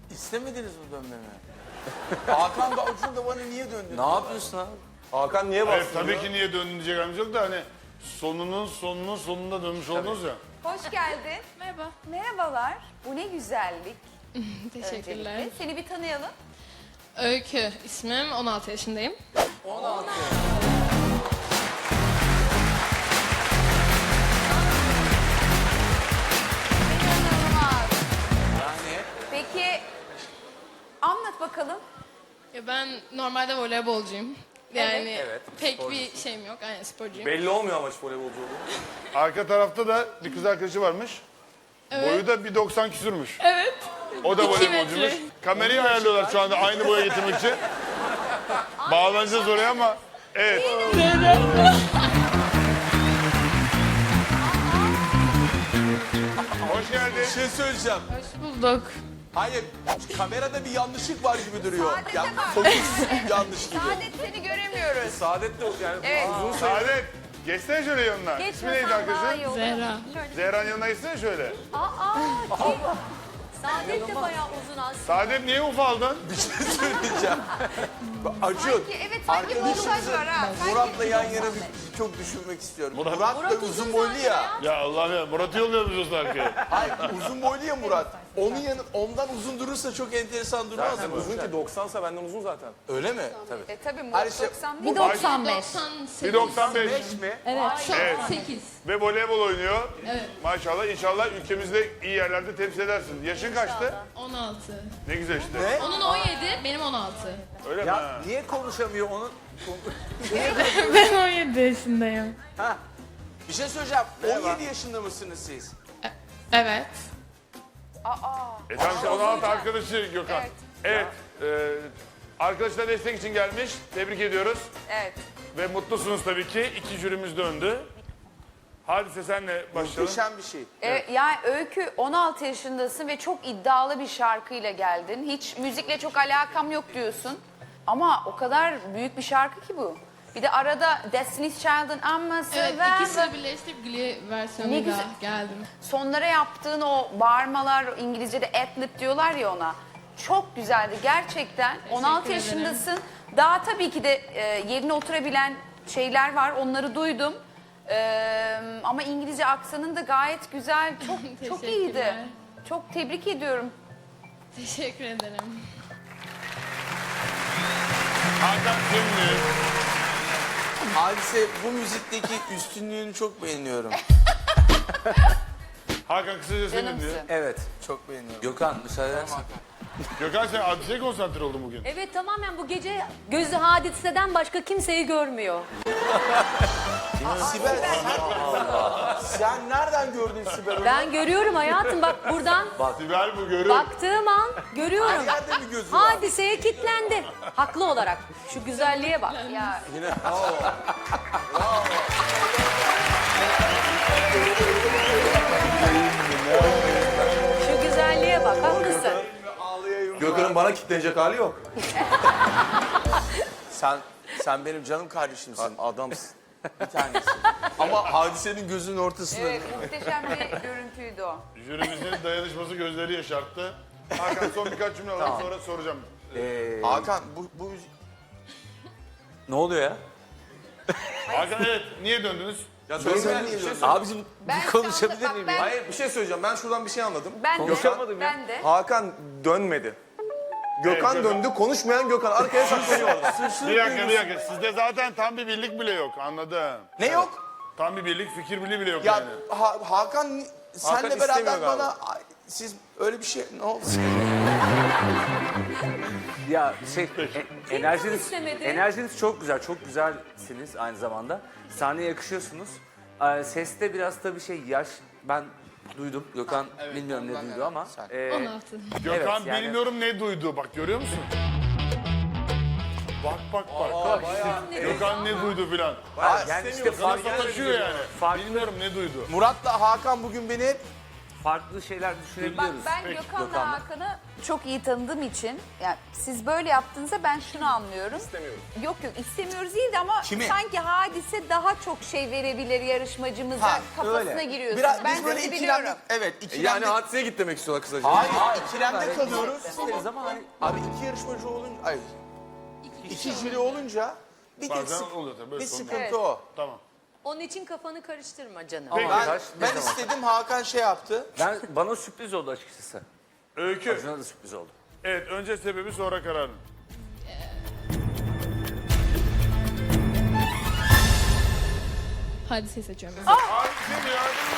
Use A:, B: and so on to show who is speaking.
A: İstemediniz mi dönmemi? Hakan da Acun da bana niye döndü?
B: Ne yapıyorsun abi?
C: Hakan niye
D: Hayır,
C: bastırıyor?
D: tabii ki niye dönünecek halimiz yok da hani sonunun sonunda dönmüş oldunuz ya.
E: Hoş geldin.
F: Merhaba.
E: Merhabalar. Bu ne güzellik.
F: Teşekkürler.
E: Öncelikle. Seni bir tanıyalım.
F: Öykü ismim. 16 yaşındayım.
A: 16.
E: İnanılmaz.
A: Yani
E: Peki anlat bakalım.
F: Ya ben normalde voleybolcuyum. Yani
B: Evet,
F: pek
B: sporcusun.
F: bir şeyim yok. Aynen sporcuyum.
C: Belli olmuyor ama hiç voleybolcu olduğu.
D: Arka tarafta da bir kız arkadaşı varmış. Boyu da 1.90 küsürmüş.
F: Evet.
D: O da
F: 2
D: voleybolcuymuş.
F: metre.
D: Kamerayı ayarlıyorlar şu anda aynı boya getirmek için. Bağlanacağız oraya ama evet. Hoş geldin.
A: bir şey söyleyeceğim.
F: Hoş bulduk.
A: Hayır, kamerada bir yanlışlık var gibi duruyor.
E: Saadet'e
A: Ya,
E: bak.
A: fokus yanlış gibi.
E: Saadet seni göremiyoruz.
C: Saadet de yani
E: Evet.
C: uzun sayı.
D: Saadet. Geçsene şöyle yanına. İsmi neydi arkadaşın?
F: Zehra.
D: Zehra'nın yanına geçsene şöyle.
E: Saadet de bayağı uzun aslında.
D: Saadet niye ufaldın?
A: Bir şey söyleyeceğim. Acun,
E: Sanki
A: arkadaşımızı
E: montaj var ha.
A: Murat'la yan yana bir çok düşünmek istiyorum.
D: Murat-
A: Murat da uzun boylu ya.
D: Ya Allah'ım ya Murat'ı yolluyoruz arkaya.
A: Hayır, uzun boylu ya Murat. Ondan uzun durursa çok enteresan durmaz
C: Zaten
A: mı?
C: uzun ki 90'sa benden uzun zaten.
A: Öyle mi? Tabii.
E: Tabii
A: Her
E: Murat
A: şey-
E: 90
A: Bu-
E: değil.
F: 98.
D: 1.95
C: mi?
F: Şu
D: Evet.
F: an 8.
D: ve voleybol oynuyor.
F: Evet.
D: Maşallah inşallah ülkemizde iyi yerlerde temsil edersin. Yaşın kaçtı?
F: 16.
D: Ne güzel işte.
A: Ne?
F: Onun 17, benim 16.
D: Öyle mi?
B: Ya
D: Ha?
B: niye konuşamıyor onun?
F: Ben 17 yaşındayım.
A: Bir şey söyleyeceğim. 17 yaşında mısınız siz?
F: Evet.
D: Tamam işte 16 arkadaşı Gökhan. Evet. Arkadaşlar destek için gelmiş. Tebrik ediyoruz.
E: Evet.
D: Ve mutlusunuz tabii ki. İki jürimiz döndü. Hadise senle başlayalım.
A: Muhteşem bir şey.
E: Yani Öykü 16 yaşındasın ve çok iddialı bir şarkıyla geldin. Hiç müzikle çok alakam yok diyorsun. Ama o kadar büyük bir şarkı ki bu. Bir de arada Destiny's Child'ın Amması
F: Evet,
E: ve
F: ikisini birleştirip Glee
E: Ne
F: versiyonuyla
E: güzel.
F: geldim.
E: sonlara yaptığın o bağırmalar, İngilizce'de ad-lib diyorlar ya ona. Çok güzeldi gerçekten. 16
F: ederim.
E: yaşındasın. Daha tabii ki de yerine oturabilen şeyler var. Onları duydum. Ama İngilizce aksanın da gayet güzel. Çok iyiydi.
F: Teşekkürler.
E: Çok tebrik ediyorum.
F: Teşekkür ederim.
D: Hakan şimdi.
A: Hadise bu müzikteki üstünlüğünü çok beğeniyorum.
D: Hakan kısaca senin diyor.
E: Canımsın.
B: Evet.
A: Çok beğeniyorum.
B: Gökhan müsaade edersen.
D: Gökhan sen Hadise'ye konsantre oldun bugün.
G: Evet tamamen bu gece gözü hadiseden başka kimseyi görmüyor.
A: Sibel sen nereden gördün Sibel'i?
G: Ben görüyorum hayatım bak buradan
D: Sibel bu görür.
G: baktığım an görüyorum.
A: Her yerde mi gözü var?
G: Hadiseye kilitlendi. Haklı olarak. Şu güzelliğe bak.
E: Ya
G: Şu güzelliğe bak. Haklısın.
C: Gökhan'ın bana kitlenecek hali yok.
A: Sen benim canım kardeşimsin.
C: Adamsın.
A: Bir tanesi. Ama hadisenin gözünün ortasında.
E: evet muhteşem bir görüntüydü o.
D: Jürimizin dayanışması gözleri yaşarttı. Hakan son birkaç cümle alalım sonra soracağım.
A: Hakan bu
B: Ne oluyor ya?
D: Hakan evet niye döndünüz?
C: Ya
A: Ben
C: söylemeyen
A: niye
C: bir şey
A: diyorum?
C: söyle.
B: Abicim
E: Ben
B: bir konuşabilir
E: sandım,
B: miyim
E: bak
B: ya?
C: Hayır bir şey söyleyeceğim. Ben şuradan bir şey anladım.
E: Ben de.
C: Konuşamadım
E: Ben de.
C: Hakan dönmedi. Gökhan
D: Evet, Gökhan.
C: döndü. Konuşmayan Gökhan. Arkaya saklanıyor orada.
D: Bir dakika. Sizde zaten tam bir birlik bile yok anladım.
A: Ne yok?
D: Tam bir birlik, fikir birliği bile yok
A: Ya
D: yani.
A: Hakan senle
C: istemiyor
A: beraber
C: galiba.
A: bana siz öyle bir şey ne oldu?
B: Ya enerjiniz,
G: istemedi?
B: enerjiniz çok güzel, çok güzelsiniz aynı zamanda. Sahneye yakışıyorsunuz. Seste biraz tabii yaş, ben duydum. Gökhan bilmiyorum ne
A: ondan
B: duydu
A: herhalde,
B: ama.
A: sen.
F: 16.
D: Gökhan
B: yani-
D: bilmiyorum ne duydu. Bak görüyor musun? Bak. Gökhan ne duydu filan.
B: Yani işte fark
D: Sana sataşıyor yani.
B: Farklı.
D: Bilmiyorum ne duydu.
A: Murat'la Hakan bugün beni
B: farklı şeyler
E: Bak
B: düşünebiliyoruz.
E: ben
D: Peki,
E: Gökhan'la
B: Gökhan'la.
E: Hakan'ı çok iyi tanıdığım için yani siz böyle yaptığınızda ben şunu anlıyorum.
C: İstemiyorum.
E: Yok istemiyoruz değil de ama
A: Kimi?
E: sanki Hadise daha çok şey verebilir yarışmacımıza
A: Ha,
E: kafasına
A: öyle.
E: giriyorsunuz.
A: Biraz
E: ben
A: biz böyle
E: sizi
A: ikilemde,
E: biliyorum.
A: evet
C: Yani
A: ikilemde,
C: hadiseye git demek istiyorlar kısaca.
A: hayır ikilemde kalıyoruz.
B: İsteriz ama hani
A: Abi iki yarışmacı olunca, ay iki jüri olunca bir tek
D: Bazen oluyor tabii, böyle
A: bir
D: sorun.
A: sıkıntı
E: Evet.
A: o.
D: Tamam.
G: Onun için kafanı karıştırma canım.
B: ama
A: Ben,
B: taş ne
A: ben
B: zaman?
A: istedim Hakan şey yaptı.
B: Bana sürpriz oldu açıkçası.
D: Öykü.
B: Acun'a da sürpriz oldu.
D: Evet, önce sebebi sonra kararın.
F: Hadise seçiyorum.
D: Hadise mi ya?